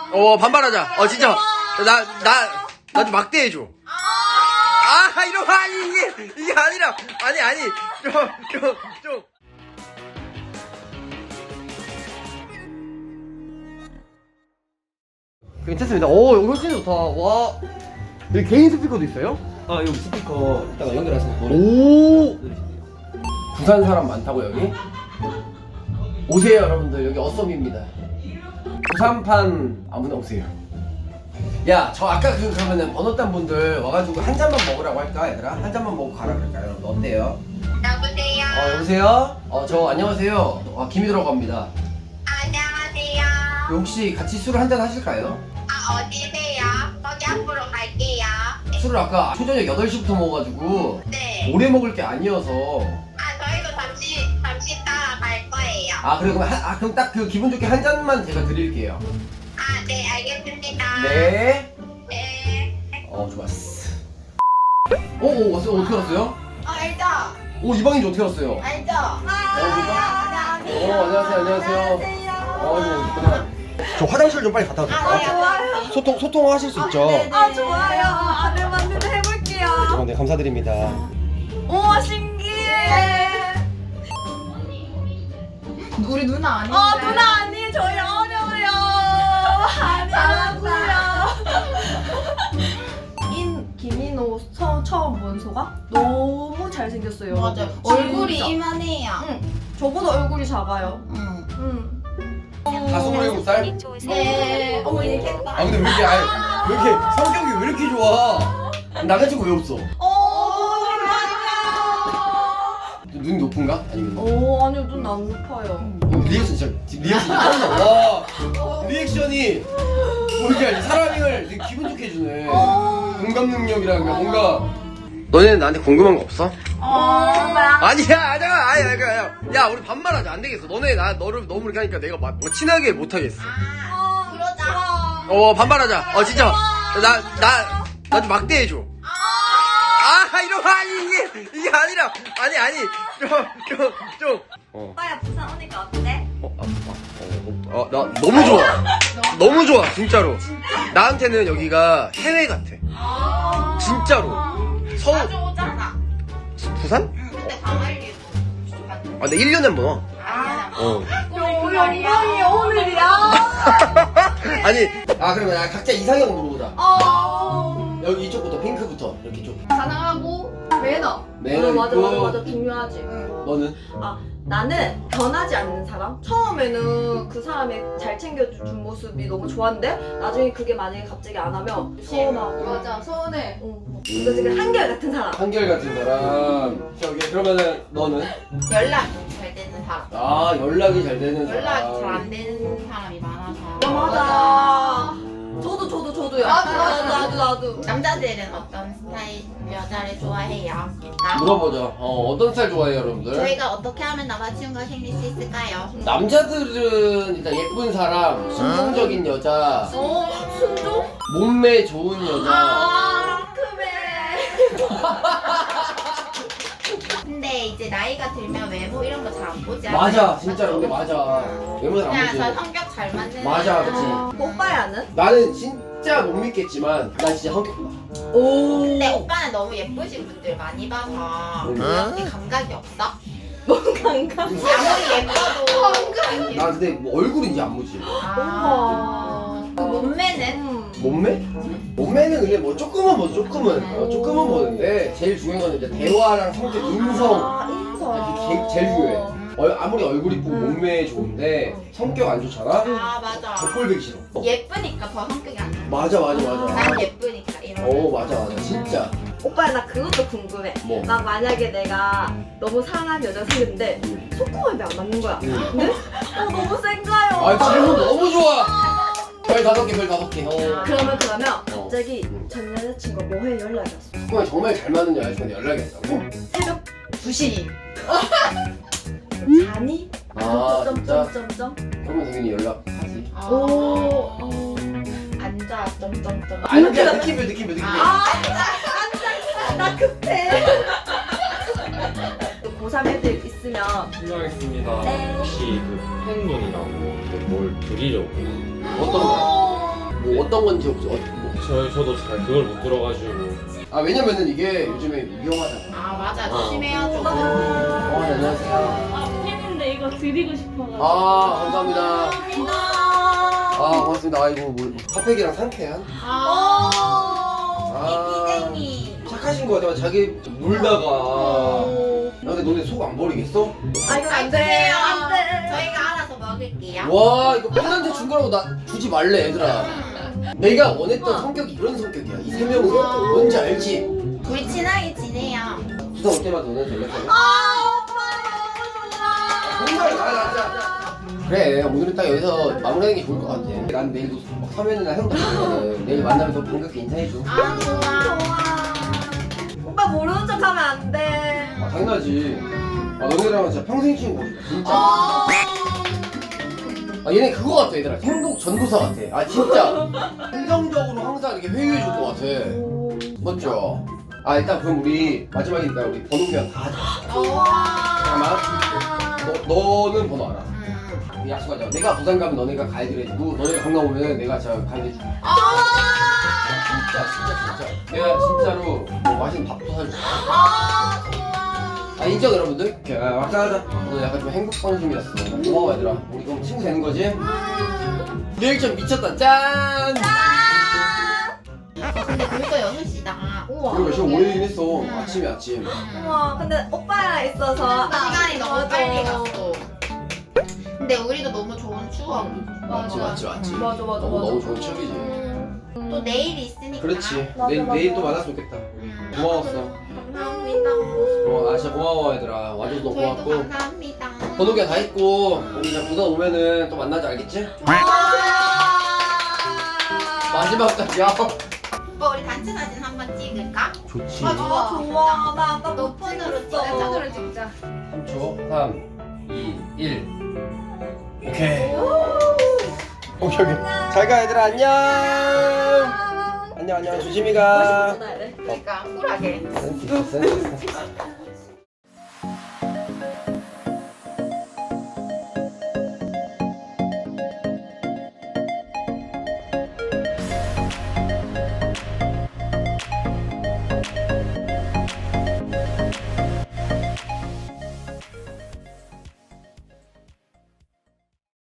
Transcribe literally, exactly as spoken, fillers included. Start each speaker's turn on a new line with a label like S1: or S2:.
S1: 어 반발하자. 어 진짜 나 나 나 좀 막대해줘. 아 이런 거 아니 이게 이게 아니라 아니 아니 좀 좀 좀. 괜찮습니다. 오 여기 진짜 좋다. 와 여기 개인 스피커도 있어요?
S2: 아 여기 스피커 이따가 연결해서 노래
S1: 오
S2: 들으시네요.
S1: 부산 사람 많다고 여기? 오세요 여러분들 여기 어썸입니다. 부산판 아무나 오세요. 야 저 아까 그 그러면은 번호단 분들 와가지고 한 잔만 먹으라고 할까 얘들아? 한 잔만 먹고 가라 그럴까요? 여러분 어때요?
S3: 여보세요.
S1: 어 여보세요? 어 저 안녕하세요. 아 김희도라고 합니다.
S3: 안녕하세요.
S1: 혹시 같이 술을 한 잔 하실까요?
S3: 아 어디세요? 거기 앞으로 갈게요.
S1: 술을 아까 초저녁 여덟 시부터 먹어가지고
S3: 네.
S1: 오래 먹을 게 아니어서.
S3: 아 저희도 잠시 잠시 따라 갈 거예요.
S1: 아 그래 그럼 한, 아 그럼 딱 그 기분 좋게 한 잔만 제가 드릴게요.
S3: 아 네 알겠습니다.
S1: 네.
S3: 네.
S1: 어 좋았어. 오오 왔어요. 어떻게 왔어요?
S3: 아 알죠.
S1: 오 이 방인지 어떻게 왔어요?
S3: 알죠.
S1: 아 어 안녕하세요 안녕하세요. 어 이거 있구나. 저 화장실 좀 빨리 갔다 와도
S3: 아
S1: 될까요?
S3: 좋아요.
S1: 소통 소통하실 수 있죠?
S3: 아 좋아요. 안을 만들어 해볼게요.
S1: 어, 네 감사드립니다.
S3: 우와 신기해.
S4: 우리 누나 아닌데.
S3: 어 누나 아니 저희 어려워요. 잘하고요.
S5: 인 김인호 처, 처음 본 소가 너무 잘생겼어요.
S4: 맞아.
S5: 얼굴이
S4: 얼굴이
S5: 진짜.
S4: 이만해요.
S5: 응. 저보다 얼굴이 작아요.
S4: 응.
S5: 응.
S1: 다 스물일곱 살?
S4: 네. 어머 얘기했다.
S1: 아 근데 왜 이렇게 아니, 왜 이렇게 성격이 왜 이렇게 좋아? 남자친구 왜 없어?
S5: 어,
S1: 눈이 높은가? 아니면
S5: 오 아니요 눈 안 높아요.
S1: 어, 리액션 진짜 리액션 짱나. 와 리액션이 뭐 이렇게 사람을 되게 기분 좋게 해주네. 공감 능력이랑 뭔가. 너네는 나한테 궁금한 거 없어? 아니야 아니야 아니야 아니야 야 우리 반말하자 안 되겠어. 너네 나 너를 너무 이렇게 하니까 내가 막 친하게 못 하겠어.
S3: 그러자.
S1: 어 반말하자. 어 진짜 나 나 나 좀 막대해줘. 아 이런 거 아니 이게 이게 아니라 아니 아니 좀좀좀 어.
S3: 오빠야 부산 오니까 어때?
S1: 어, 아, 아, 어, 어, 나 너무 좋아. 너무 좋아, 진짜로. 나한테는 여기가 해외 같아. 진짜로. 서울,
S3: 자주 오잖아.
S1: 부산?
S3: 응. 근데 방학일도
S1: 아, 근데 일 년에 한 번 와.
S3: 아.
S1: 어.
S5: 영광이 오늘이야.
S1: 아니, 아, 그러면 나 각자 이상형 물어보자.
S5: 어.
S1: 여기 이쪽부터, 핑크부터. 이렇게 쭉.
S4: 사랑하고 매너.
S1: 매너
S5: 어, 맞아
S1: 있고.
S5: 맞아 맞아 중요하지.
S1: 너는?
S5: 아 나는 변하지 않는 사람? 처음에는 그 사람이 잘 챙겨준 모습이 너무 좋았는데 나중에 그게 만약에 갑자기 안 하면 서운하고
S4: 맞아 서운해.
S5: 어, 이거 지금 한결 같은 사람.
S1: 한결 같은 사람. 저기, 그러면은 너는?
S4: 연락이 잘 되는 사람.
S1: 아, 연락이 잘 되는 사람.
S4: 연락이 잘 안 되는 사람이 많아서.
S5: 어, 맞아. 저도 저도 저도요.
S4: 나도,
S5: 나도
S4: 나도.
S5: 나도 나도.
S4: 남자들은 어떤 스타일 여자를 좋아해요? 나?
S1: 물어보자. 어, 어떤 스타일 좋아해요, 여러분들?
S4: 저희가 어떻게 하면 남자친구가 생길 수 있을까요?
S1: 남자들은 일단 예쁜 사람, 순종적인 여자,
S5: 어 순종?
S1: 몸매 좋은 여자.
S5: 아 그래.
S4: 근데 이제 나이가 들면 외모 이런 거 잘 안 보지 않아요?
S1: 맞아, 진짜로 근데 맞아. 외모 잘안
S4: 그냥 저
S1: 보지.
S4: 성격 잘 맞는
S1: 맞아, 그치.
S5: 오빠야는?
S1: 나는 진짜 못 믿겠지만 난 진짜 성격 봐.
S5: 오.
S4: 근데 오빠는 너무 예쁘신 분들 많이 봐서
S1: 응.
S4: 그렇게 감각이 없어?
S5: 건강.
S4: 아무리 예뻐도
S1: 나 근데 뭐 얼굴은 이제 안 보지.
S4: 아, 그 몸매는?
S5: 음.
S1: 몸매? 몸매는 그냥 뭐 조금은 뭐 조금은 어, 조금은 보는데 제일 중요한 건 이제 대화랑 성격, 인성.
S5: 아 인성.
S1: 이게 제- 제일 중요해. 얼- 아무리 얼굴 이쁘고 몸매 좋은데 성격 안 좋잖아?
S4: 아 맞아.
S1: 족골배기 싫어. 어.
S4: 예쁘니까 더 성격이 안 좋아.
S1: 맞아 맞아 맞아.
S4: 난 예쁘니까 이런 거.
S1: 어 맞아 맞아 진짜.
S5: 오빠야 나 그것도 궁금해.
S1: 뭐?
S5: 나 만약에 내가 너무 사랑하는 여자가 생겼는데 속궁합이 안 맞는 거야.
S1: 응.
S5: 근데 어 너무 센가요?
S1: 아 질문 너무 좋아. 별 다섯 개, 별 다섯 개. 어.
S5: 그러면 그러면
S1: 어.
S5: 갑자기
S1: 응.
S5: 전 여자친구가 뭐해 연락이 왔어.
S1: 정말 정말 잘 맞는 여자친구한테 연락이 왔다고?
S5: 새벽 두 시. 자니?
S1: 아 진짜?
S5: 점점점점.
S1: 그러면 당연히 연락하지.
S4: 아.
S5: 오. 어.
S4: 앉아 점점점.
S1: 아니 그냥 느낌표 느낌표 느낌표.
S4: 아.
S5: 나 급해. 고삼 애들 있으면
S6: 실례하겠습니다.
S5: 네.
S6: 혹시 그 팬분이라고 뭘 드리려고
S1: 어떤 거? 어떤 건지 혹시 어, 뭐.
S6: 저, 저도 잘 그걸 못 들어가지고.
S1: 아 왜냐면은 이게 요즘에 위험하잖아.
S4: 아 맞아
S6: 어.
S4: 조심해야죠.
S1: 어, 네, 안녕하세요.
S7: 아, 팬인데 이거 드리고 싶어가지고.
S1: 아 감사합니다. 아 고맙습니다. 아이고 뭐 핫팩이랑 상쾌한.
S4: 아
S1: 아
S4: 이피쟁이.
S1: 착하신 거 같아. 자기 물다가.
S5: 어.
S1: 야, 근데 너네 속 안 버리겠어?
S5: 아 이건 안 돼.
S4: 주세요.
S5: 안 돼.
S4: 저희가 알아서 먹을게요.
S1: 와 이거 팬한테 준 거라고 나 주지 말래 얘들아.
S4: 음.
S1: 내가 원했던 성격이 이런 성격이야. 이 세 명은 뭔지 알지?
S4: 우리 친하게 지내요.
S1: 부산 올 때마다 너네 연락해.
S5: 아 오빠 너무
S1: 정말 아 진짜. 그래 오늘은 딱 여기서 마무리하는 게 좋을 것 같아. 난 내일도 막 서면이나 형도 보거든. 내일 만나면 더 반갑게 인사해줘.
S4: 아 좋아.
S5: 좋아. 오빠 모르는 척하면 안 돼.
S1: 아 당연하지. 아 너네랑은 진짜 평생 친구 진짜.
S4: 어.
S1: 아 얘네 그거 같아 얘들아. 행복 전도사 같아. 아 진짜. 긍정적으로 항상 이렇게 회유해 줄 것 같아. 맞죠? 아 일단 그럼 우리 마지막이니까 우리 번호 교환 다 하자.
S4: 좋아.
S1: 잠깐만. 너 너는 번호 알아.
S4: 음.
S1: 우리 약속하자. 내가 부산 가면 너네가 가이드를 해주고 너네가 강남 오면 내가 진짜 가이드 해줄게.
S4: 아.
S1: 진짜 진짜 진짜. 내가 진짜로 뭐 맛있는 밥도 사줄게.
S4: 아 좋아.
S1: 아 인정 여러분들? 오케이 아, 막상하자. 오늘 약간 좀 행복한 중이었어. 고마워 얘들아. 우리 그럼 친구 되는 거지? 리액션 미쳤다. 짠!
S4: 아 근데 벌써 여섯 시다.
S5: 우와.
S1: 그리고 지금 오래되긴 했어. 아침이 아침.
S5: 우와 근데 오빠랑 있어서
S4: 시간이 너무
S5: 맞아.
S4: 빨리 갔어. 근데 우리도 너무 좋은 추억.
S1: 맞지 맞지 맞지.
S5: 맞아 맞아
S1: 너무
S5: 맞아.
S1: 너무 좋은 추억이지.
S4: 또 내일이 있으니까.
S1: 그렇지.
S5: 맞아,
S1: 내일
S5: 맞아.
S1: 내일 또 만났으면 좋겠다.
S4: 음.
S1: 고마웠어.
S4: 감사합니다.
S1: 고마워. 아 진짜 고마워 얘들아. 와줘서 너무
S4: 저희도
S1: 고맙고.
S4: 감사합니다.
S1: 번호기가 다 있고 우리 이제 부산 오면은 또 만나자 알겠지? 마지막까지야.
S4: 오빠 우리 단체 사진 한번 찍을까?
S1: 좋지.
S4: 아,
S5: 아 좋아. 나 아까
S4: 너
S5: 못
S4: 폰으로
S5: 찍었어.
S4: 찍자.
S7: 폰으로 찍자.
S1: 삼 초. 삼, 이, 일. 오케이. 오케이 오케이. 잘가 얘들아 안녕. 안녕 안녕 조심히 가.
S5: 멋있게 전화해야 돼.
S4: 그러니까 쿨하게.
S1: 센스 있어 센스 있어.